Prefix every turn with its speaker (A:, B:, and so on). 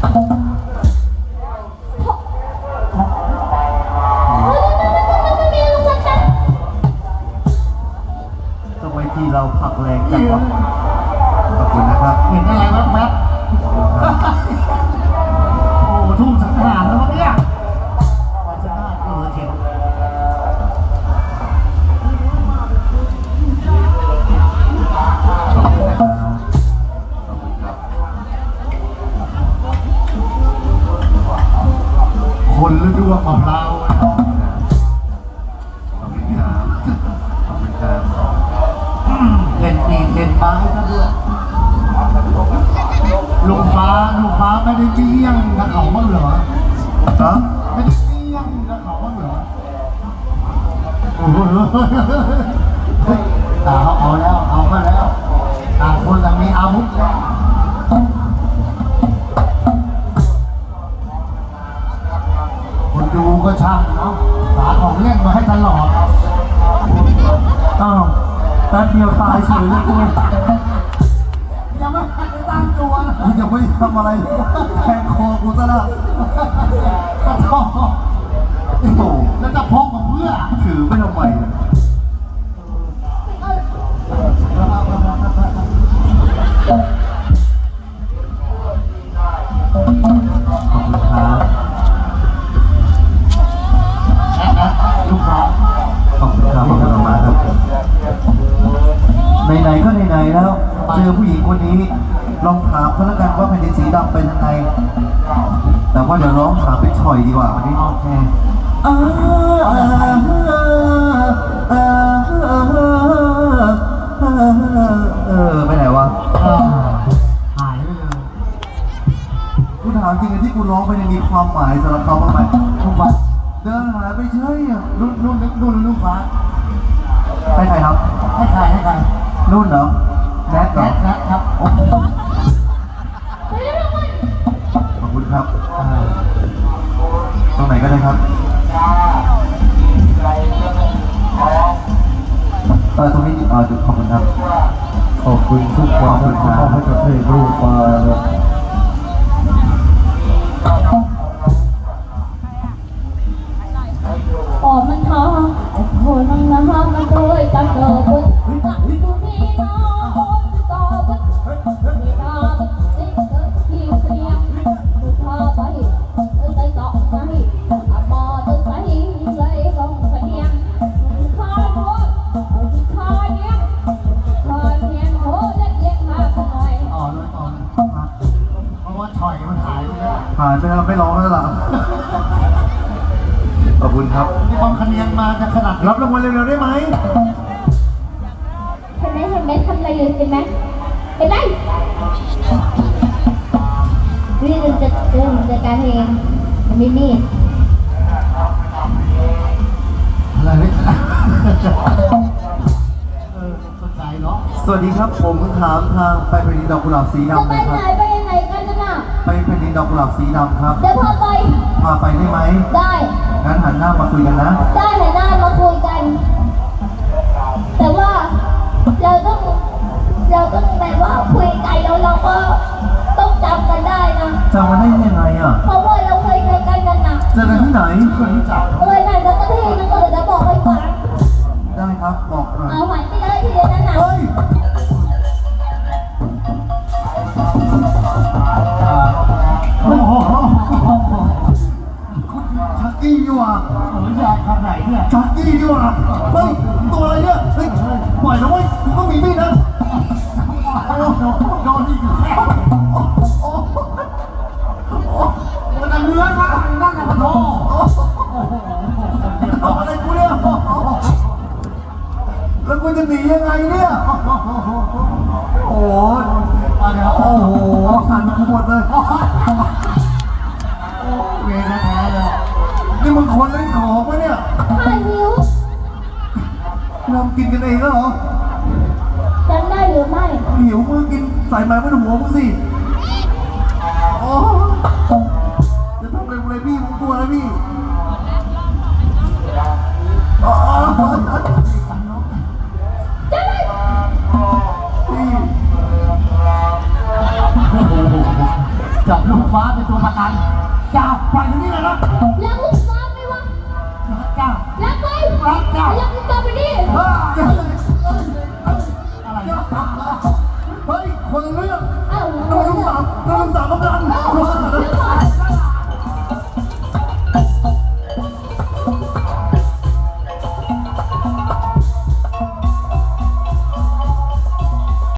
A: ทำไมที่เราผักแรงจังวะขอบคุณนะครับเห็นอะไรแว๊บโอ้ทุ่งสังหารแล้วเนี่ยวันจะน่าเขียวคนฤดูมะพร้าวขอบคุณครับขอบคุณครับเห็นตีนเห็นฟ้าให้ท่านด้วยลุงฟ้าไม่ได้เลี้ยงกับเขาบ้างเหรอครับไม่ได้เลี้ยงกับเขาบ้างเหรอโอ้โหแต่เขาเอาแล้วเอาก็แล้วต่างคนต่างมีอาวุธแล้วคนดูก็ช่างเนาะหาของเล่นมาให้ตลอดอ้าวแป๊บเดียวตายเฉยเลยกูยังไม่ทันได้ตั้งตัวนะยังไม่ทำอะไรแทงคอกูซะแล้วกระทอโอ้โหแล้วจะพกมาเพื่อถือไม่ทำไมขอบคุณครับลูกค้าขอบคุณครับขอบคุณมากครับไหนๆก็ไหนๆแล้วเจอผู้หญิงคนนี้ลองถามเขาแล้วกันว่าแผ่นดินสีดำเป็นยังไงแต่ว่าเดี๋ยวร้องถามเป็นฉ่อยดีกว่าวันนี้โอเคไปไหนวะหายไปเลยกูถามจริงๆที่กูร้องไปมีความหมายสำหรับเขาบ้างไหมทุกวันเดินหายไปเฉยนุ่นลูกฟ้าให้ใครครับให้ใครนุ่นเหรอแนทเหรอแนทครับโอ้โหขอบคุณครับตรงไหนก็ได้ครับตรงนี้ขอบคุณครับขอบคุณทุกความที่มอบให้กับเพลงลูกฟ้า
B: ออกมันทอโอ้โหนั่งน้ำมาด้วยจังเกิดบุญตักดูนี่น้องต่อบุญมีตาบุญสิ่งเกิดที่เสียงบุญพาไปใจเกาะใจมอตึกใจเลยกองเสียงคอยโน้ตคอยเนี้ยโหเล็กเล็กมากหน่อย
A: ต่อเพราะว่าถอยมันหายไปแล้วไม่ร้องแล้วล่ะขอบคุณครับนี่บอลคะแนนมาจะขนาดรับรางวัลเร็วๆได้ไหม
B: เห็นไหมทำอะไรอยู่เห็นไหมนี่จะการเองมันมีมีด
A: อะไรเนี่ยสนใจเนาะสวัสดีครับผมถามทางไปแผ่นดินดอกกุหลาบสีดำเลยครับ
B: ไปยังไงกันน่ะ
A: ไปแผ่นดินดอกกุหลาบสีดำครับ
B: เดี๋ยวพา
A: ไปได้ไหม
B: ได้
A: งั้นหันหน้ามาคุยกันนะ
B: ได้หันหน้ามาคุยกันแต่ว่าเราต้องแบบว่าคุยกันแล้วเราก็ต้องจำกันได้นะ
A: จำกันได้ยังไงอ่ะ
B: เพราะว่าเราเคยเจอกันนะ
A: เจอกันที่ไหนคนรู้จัก
B: ไหนแล้วก็ที่นั่นก็เดี๋ยวจะบอกให้ฟัง
A: ได้ครับบอกหน่อย
B: เอาหันไปเลยทีเดียวนั่นน่ะ
A: เฮ้ยโอ้โหชักกี้ดีกว่าอยากทำไหนเนี่ยชักกี้ดีกว่าเฮ้ยตัวอะไรเนี่ยเฮ้ยปล่อยนะเว้ยกูก็มีมีดนะโดนอีกแล้วมันจะเลื้อนมานั่งในกระโถอะไรกูเนี่ยแล้วกูจะหนียังไงเนี่ยโอ้โหสั่นกูหมดเลยเวรแท้เลยนี่มึงคนเล่นของปะเนี่ย
B: ใช่หิว
A: เรากินกันเองแล้วเหรอ
B: จำได้หรือไม่
A: หิวมึงกินใส่ไม้บนหัวมึงสิโอ้จะทำอะไรกูเลยพี่มึงกลัวนะพี่
B: จะได้
A: พี่จับลูกฟ้าเป็นตัวประกันจ้าปล่อยอยู่นี่เลยนะ
B: รักลูกฟ้าไหมวะ
A: รักจ้า
B: รักไหม
A: รักจ้า
B: รักกลับไปดิ
A: อะไรเฮ้ยคนละเรื่อง
B: เอ้า
A: น้องสามกำลัง
B: เอ้าแล้วพอ